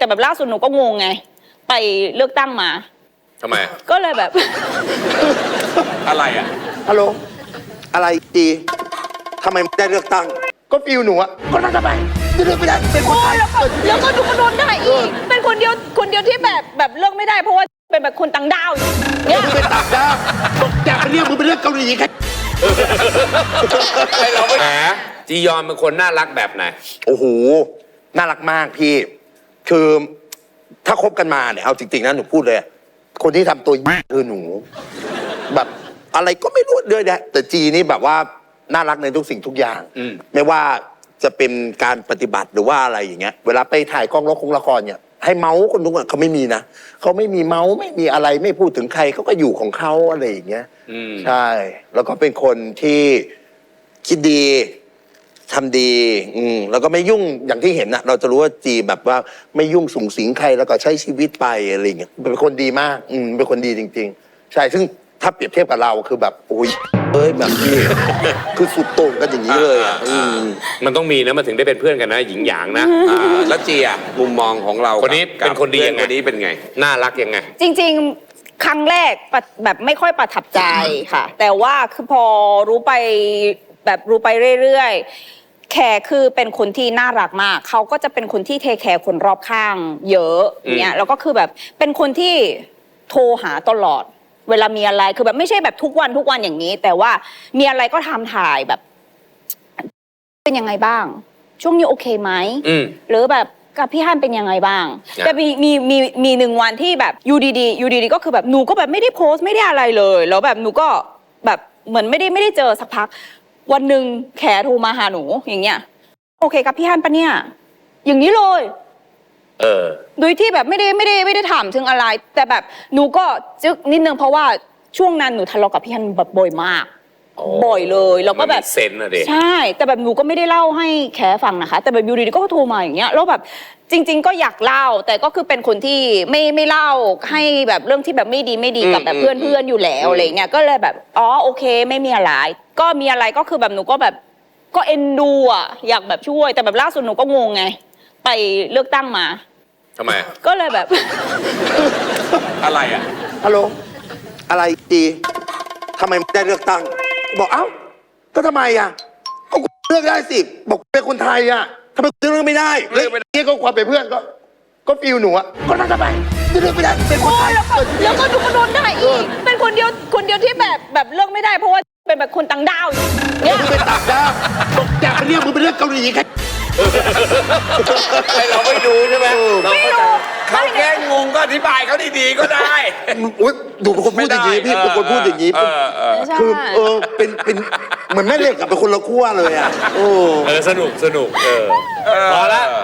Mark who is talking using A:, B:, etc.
A: แบบล่าสุดหนูก็งงไงไปเลือกตั้งมา
B: ทำไม
A: ก็เลยแบบ
B: อะไรอ่ะ
C: ฮัลโหลอะไรดีทำไมไม่ได้เลือกตั้งก็ฟิลหนูอะก็นั่นทำไมเลือกไม่ได้เป็นคนไทย
A: แล้วก็ดูกระโดนได้อีกเป็นคนเดียวที่แบบเลือกไม่ได้เพราะว่าเป็นแบบคนต่างดาวเนี่ย
C: มึงเป็นต่างดาวอยากไปเรียกมึงไปเลือกเกาหลีแค่
B: ไอเราไม่แหมจียอนเป็นคนน่ารักแบบไหน
C: โอ้โหน่ารักมากพี่คือถ้าคบกันมาเนี่ยเอาจริงๆนะหนูพูดเลยคนที่ทำตัวคือหนูแบบอะไรก็ไม่รู้เลยนะแต่จีนี่แบบว่าน่ารักในทุกสิ่งทุกอย่างไม่ว่าจะเป็นการปฏิบัติหรือว่าอะไรอย่างเงี้ยเวลาไปถ่ายกล้องละครเนี่ยให้เมาส์คนทุกคนเขาไม่มีนะเขาไม่มีเมาส์ไม่มีอะไรไม่พูดถึงใครเขาก็อยู่ของเขาอะไรอย่างเงี้ยใช่แล้วก็เป็นคนที่คิดดีทำดีแล้วก็ไม่ยุ่งอย่างที่เห็นนะเราจะรู้ว่าจีแบบว่าไม่ยุ่งสุงสิงใครแล้วก็ใช้ชีวิตไปอะไรอย่างเงี้ยเป็นคนดีมากเป็นคนดีจริงๆใช่ซึ่งถ้าเปรียบเทียบกับเราคือแบบโอ้ยแบบนี้คือสุดโต่งกันอย่างนี้เลย
B: มันต้องมีนะมันถึงได้เป็นเพื่อนกันนะหญิงหยางนะแล้วจีอ่ะมุมมองของเราคนนี้เป็นคนดียังไงคนนี้เป็นไงน่ารักยังไง
A: จริงๆครั้งแรกแบบไม่ค่อยประทับใจค่ะแต่ว่าคือพอรู้ไปเรื่อยๆแขกคือเป็นคนที่น่ารักมากเขาก็จะเป็นคนที่เทคแคร์คนรอบข้างเยอะเนี่ยแล้วก็คือแบบเป็นคนที่โทรหาตลอดเวลามีอะไรคือแบบไม่ใช่แบบทุกวันอย่างนี้แต่ว่ามีอะไรก็ทำถ่ายแบบเป็นยังไงบ้างช่วงนี้โอเคไหมหรือแบบกับพี่ฮั่นเป็นยังไงบ้างแต่มีหนึ่งวันที่แบบอยู่ดีก็คือแบบหนูก็แบบไม่ได้โพสต์ไม่ได้อะไรเลยแล้วแบบหนูก็แบบเหมือนไม่ได้เจอสักพักวันหนึ่งแขโทรมาหาหนูอย่างเงี้ยโอเคกับพี่ฮั่นปะเนี่ยอย่างนี้เลยโดยที่แบบไม่ได้ถามถึงอะไรแต่แบบหนูก็จึ๊กนิดนึงเพราะว่าช่วงนั้นหนูทะเลาะกับพี่ฮันแบบบ่อยมากบ่อยเลยแล้วก็แบบ
B: เซนอะเด็
A: ใช่แต่แบบหนูก็ไม่ได้เล่าให้แขฟังนะคะแต่แบบอยู่ดีๆก็โทรมาอย่างเงี้ยแล้วแบบจริงๆก็อยากเล่าแต่ก็คือเป็นคนที่ไม่เล่าให้แบบเรื่องที่แบบไม่ดีกับแบบเพื่อนอยู่แล้วอะไรเงี้ยก็เลยแบบอ๋อโอเคไม่มีอะไรก็มีอะไรก็คือแบบหนูก็แบบก็เอ็นดูอ่ะอยากแบบช่วยแต่แบบล่าสุดหนูก็งงไงไปเลือกตั้งมา
B: ทำไม
A: ก็เลยแบบ
B: อะไรอ่ะ
C: ฮัลโหลอะไรดีทำไมไม่ได้เลือกตั้งบอกเอ้าก็ทำไมอ่ะก็เลือกได้สิบอกเป็นคนไทยอ่ะทำไมเลือกไม่ได้เลือกนี่ก็ความเป็นเพื่อนก็ฟิลหนูอ่ะก็นั่นทำไมเลือกไม่ได้เป็นคนไทย
A: แล้วก็ดูกระโดนได้อีกเป็นคนเดียวที่แบบเลือกไม่ได้เพราะว่าเป็นแบบคนต่างดาว
C: เนี่ยมึงเป็นต่างดาวอยากไปเรียกมึงไปเลือกเกาหลีแค่
B: เราไม่ดูใช่ไหม
A: ไม่รู้
B: เขาแค่งงก็อธิบายเขาดีๆก็ได้
C: ดูเป็นคนพูดอย่างนี้พี่เป็นคนพูดอย่างนี้คือเป็นเหมือนแม่เหล็กกับเป็นคนละขั้วเลยอ่ะ
B: สนุกพอละ